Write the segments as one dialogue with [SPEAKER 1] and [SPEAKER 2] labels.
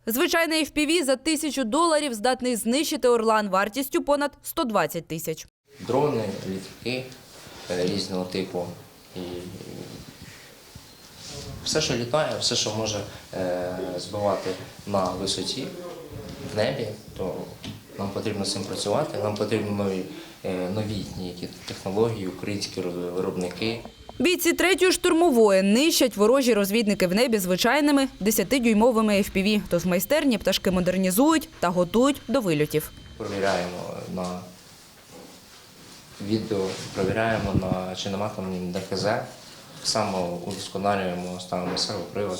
[SPEAKER 1] Звичайний FPV за $1000 здатний знищити орлан вартістю понад 120 тисяч.
[SPEAKER 2] Дрони, літаки різного типу. І все, що літає, все, що може збивати на висоті, в небі, то нам потрібно з цим працювати, нам потрібні новітні технології, українські виробники.
[SPEAKER 1] Бійці 3-ї штурмової нищать ворожі розвідники в небі звичайними 10-дюймовими FPV. Тож в майстерні пташки модернізують та готують до вильотів.
[SPEAKER 2] Перевіряємо на відео, перевіряємо чи нема там ДХЗ. Так само удосконалюємо, ставимо сервопривод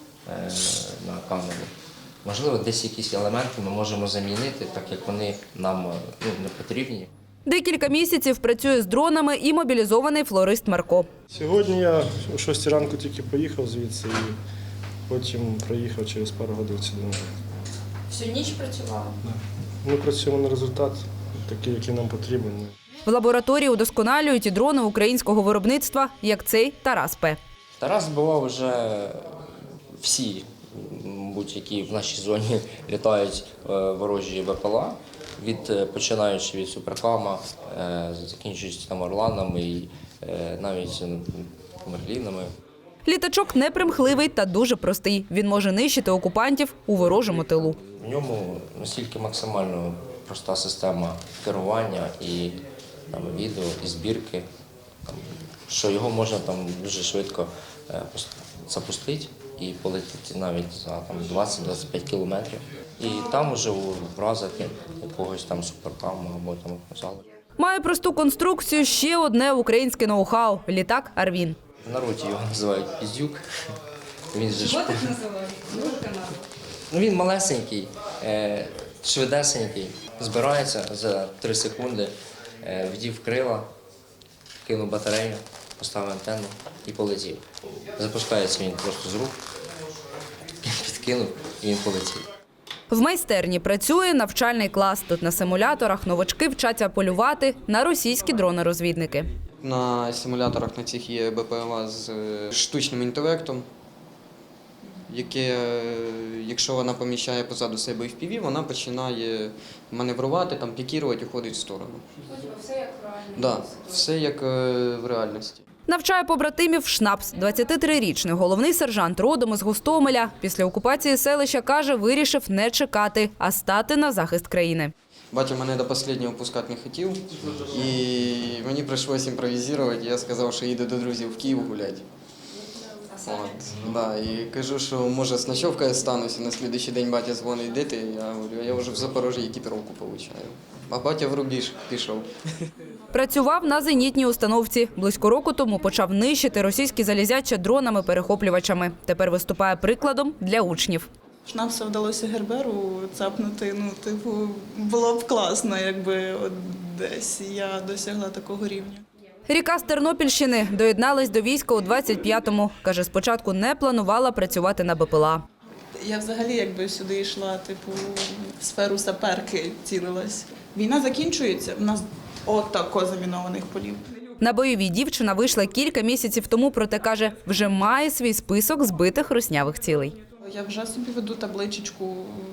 [SPEAKER 2] на камеру. Можливо, десь якісь елементи ми можемо замінити, так як вони нам не потрібні.
[SPEAKER 1] Декілька місяців працює з дронами і мобілізований флорист Марко.
[SPEAKER 3] Сьогодні я о 6 ранку тільки поїхав звідси і потім проїхав через пару годин сюди.
[SPEAKER 4] Всю ніч працювали?
[SPEAKER 3] Ми працюємо на результат, такий, який нам потрібен.
[SPEAKER 1] В лабораторії удосконалюють і дрони українського виробництва, як цей Тарас П.
[SPEAKER 2] Тарас збивав вже всі, будь-які в нашій зоні літають ворожі БПЛА, починаючи від суперкама, закінчуючи там орланами і навіть мерлінами.
[SPEAKER 1] Літачок непримхливий та дуже простий. Він може нищити окупантів у ворожому тилу.
[SPEAKER 2] В ньому настільки максимально проста система керування і відео, і збірки, що його можна дуже швидко запустити і полетіти навіть за 20-25 кілометрів. І там вже вразити якогось суперкаму або залу.
[SPEAKER 1] Має просту конструкцію ще одне українське ноу-хау – літак «Арвін».
[SPEAKER 2] В народі його називають «Піздюк». Він же
[SPEAKER 4] Чого так називають?
[SPEAKER 2] Він малесенький, швидесенький, збирається за 3 секунди, вдів крила, кинув батарею, поставив антенну і полетів. Запускається він просто з рук, підкинув і він полетів.
[SPEAKER 1] В майстерні працює навчальний клас. Тут на симуляторах новачки вчаться полювати на російські дрони-розвідники.
[SPEAKER 5] На симуляторах на цих є БПЛА з штучним інтелектом, яке, якщо вона поміщає позаду себе FPV, вона починає маневрувати, пікірувати, уходить в сторону.
[SPEAKER 4] Все як в реальності?
[SPEAKER 5] Так, все як в реальності.
[SPEAKER 1] Навчає побратимів Шнапс. 23-річний головний сержант родом із Гостомеля. Після окупації селища, каже, вирішив не чекати, а стати на захист країни.
[SPEAKER 5] Батя мене до останнього пускати не хотів, і мені прийшлося імпровізувати. Я сказав, що їду до друзів в Київ гуляти. І кажу, що може з ночовкою стануся, на наступний день батя дзвонить, де ти? Я говорю, я вже в Запорожжі екіпіровку отримую. А батя в рубіж пішов.
[SPEAKER 1] Працював на зенітній установці. Близько року тому почав нищити російські залізяча дронами-перехоплювачами. Тепер виступає прикладом для учнів.
[SPEAKER 6] Шнапса вдалося Герберу цапнути, було б класно, якби десь я досягла такого рівня.
[SPEAKER 1] Ріка з Тернопільщини доєдналась до війська у 25-му. Каже, спочатку не планувала працювати на БПЛА.
[SPEAKER 6] Я взагалі сюди йшла, в сферу саперки цілилась. Війна закінчується, в нас отако замінованих полів.
[SPEAKER 1] На бойові дівчина вийшла кілька місяців тому, проте, каже, вже має свій список збитих руснявих цілей.
[SPEAKER 6] Я вже собі веду табличечку,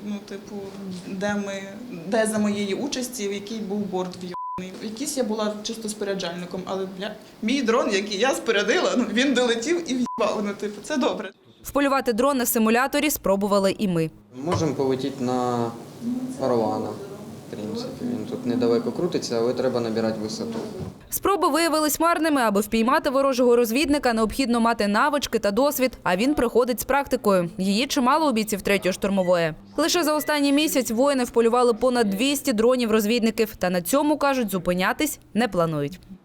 [SPEAKER 6] де за моєї участі, в який був борт в'єбаний. Якийсь я була чисто споряджальником, але мій дрон, який я спорядила, він долетів і в'їбав. Це добре.
[SPEAKER 1] Вполювати дрон на симуляторі спробували і ми.
[SPEAKER 5] Можемо полетіти на Орлана, в принципі. Він тут недалеко крутиться, але треба набирати висоту.
[SPEAKER 1] Спроби виявились марними. Аби впіймати ворожого розвідника, необхідно мати навички та досвід, а він приходить з практикою. Її чимало у бійців 3-ї штурмової. Лише за останній місяць воїни вполювали понад 200 дронів-розвідників. Та на цьому, кажуть, зупинятись не планують.